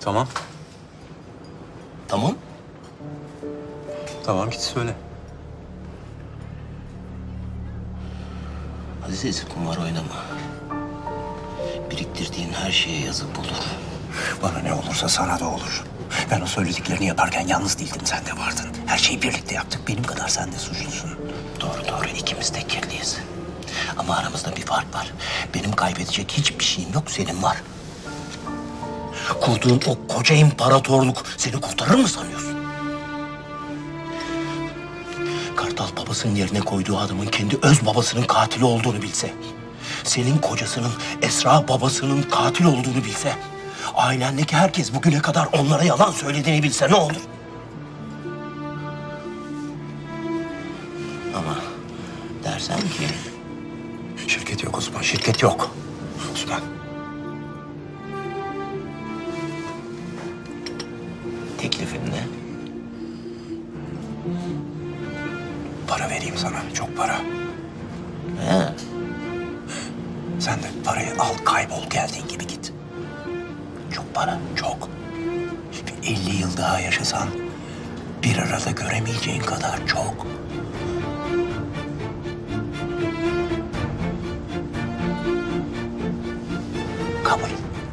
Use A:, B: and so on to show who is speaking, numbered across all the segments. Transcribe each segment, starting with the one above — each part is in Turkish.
A: Tamam.
B: Tamam.
A: Tamam git söyle.
B: Aziz, kumar oynama. Biriktirdiğin her şeye yazık olur.
C: Bana ne olursa sana da olur. Ben o söylediklerini yaparken yalnız değildim, sen de vardın. Her şeyi birlikte yaptık, benim kadar sen de suçlusun.
B: Doğru, ikimiz de kirliyiz. Ama aramızda bir fark var. Benim kaybedecek hiçbir şeyim yok, senin var. Kurduğun o koca imparatorluk seni kurtarır mı sanıyorsun? Kartal babasının yerine koyduğu adamın kendi öz babasının katili olduğunu bilse... ...senin kocasının Esra babasının katil olduğunu bilse... ...ailendeki herkes bugüne kadar onlara yalan söylediğini bilse ne olur? Ama dersen ki...
C: Şirket yok Osman, şirket yok. Osman.
B: Teklifin ne?
C: Para vereyim sana, çok para.
B: He.
C: Sen de parayı al, kaybol, geldiğin gibi git.
B: Çok para.
C: Çok. Bir 50 yıl daha yaşasan bir arada göremeyeceğin kadar çok. Kabul.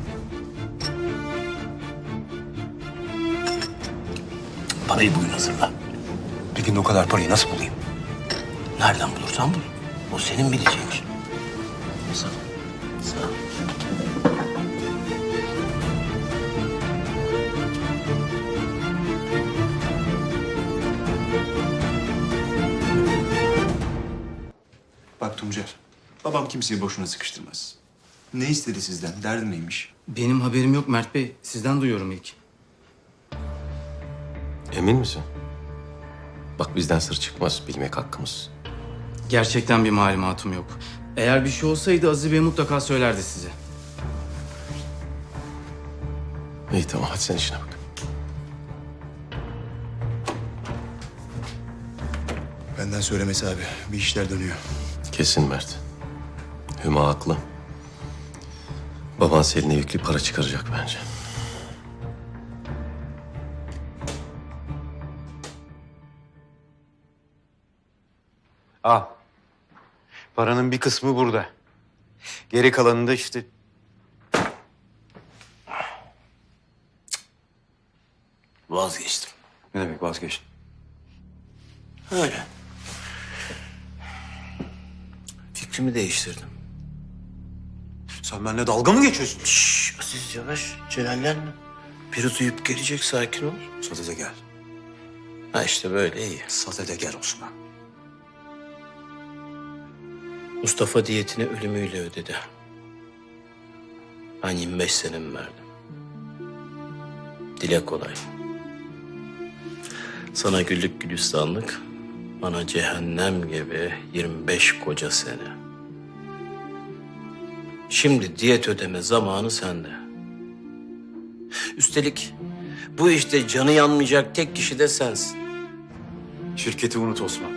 B: Parayı bugün hazırla.
C: Bir gün o kadar parayı nasıl bulayım?
B: Nereden bulursan bul. O senin bileceğin iş. Sağ ol. Sağ ol.
D: Bak Tuncer, babam kimseyi boşuna sıkıştırmaz. Ne istedi sizden? Derdi neymiş?
E: Benim haberim yok Mert Bey. Sizden duyuyorum ilk.
F: Emin misin? Bak bizden sır çıkmaz, bilmek hakkımız.
E: Gerçekten bir malumatım yok. Eğer bir şey olsaydı Aziz Bey mutlaka söylerdi size.
F: İyi tamam, hadi sen işine bak.
D: Benden söylemesi abi. Bir işler dönüyor.
F: Kesin Mert. Hüma haklı. Baban Selin'e yüklü para çıkaracak bence.
G: Al. Paranın bir kısmı burada. Geri kalanını da işte...
B: Vazgeçtim.
G: Ne demek vazgeçtin?
B: Öyle. Fikrimi değiştirdim.
A: Sen benimle dalga mı geçiyorsun?
B: Şşş, Aziz yavaş. Celallenme. Biri duyup gelecek, sakin ol.
C: Sadede gel.
B: Ha işte böyle iyi.
C: Sadede gel Osman.
B: Mustafa diyetini ölümüyle ödedi. Ben 25 senemi verdim. Dile kolay. Sana güllük gülistanlık, bana cehennem gibi 25 koca sene. Şimdi diyet ödeme zamanı sende. Üstelik bu işte canı yanmayacak tek kişi de sensin.
G: Şirketi unut Osman.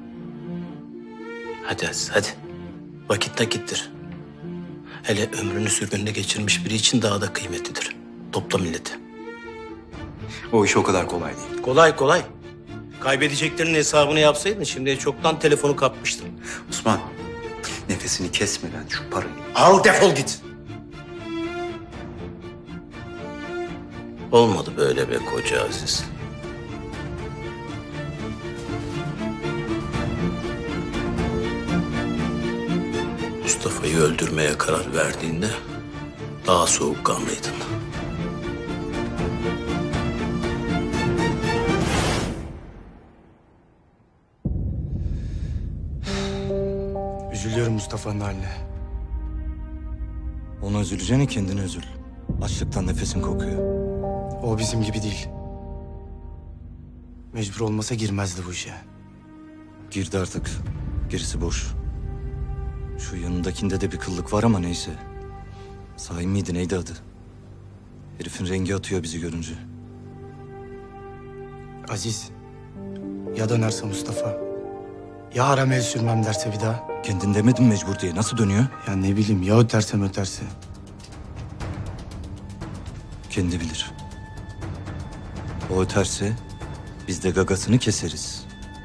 B: Hadi Aziz, hadi. Vakit nakittir. Hele ömrünü sürgünde geçirmiş biri için daha da kıymetlidir. Topla milleti.
G: O iş o kadar kolay değil.
B: Kolay kolay. Kaybedeceklerinin hesabını yapsaydın şimdiye çoktan telefonu kapmıştın.
G: Osman, nefesini kesmeden şu parayı...
B: Al defol git. Olmadı böyle be koca Aziz. Mustafa'yı öldürmeye karar verdiğinde daha soğukkanlıydın.
E: Üzülüyorum Mustafa'nın haline.
H: Ona üzüleceğine kendine üzül. Açlıktan nefesin kokuyor.
E: O bizim gibi değil. Mecbur olmasa girmezdi bu işe.
H: Girdi artık. Gerisi boş. Şu yanındakinde de bir kıllık var ama neyse. Sahi miydi, neydi adı? Herifin rengi atıyor bizi görünce.
E: Aziz. Ya dönerse Mustafa. Ya haram el sürmem derse bir daha.
H: Kendin demedin mecbur diye. Nasıl dönüyor?
E: Ya ne bileyim ya öterse.
H: Kendi bilir. O öterse biz de gagasını keseriz.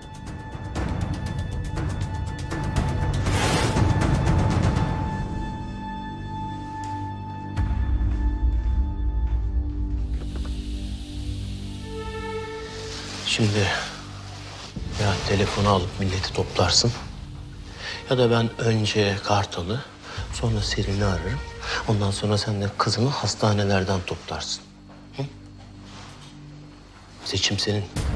B: Şimdi ya telefonu alıp milleti toplarsın ya da ben önce Kartal'ı sonra Selin'i ararım. Ondan sonra sen de kızımı hastanelerden toplarsın. Hı? Seçim senin.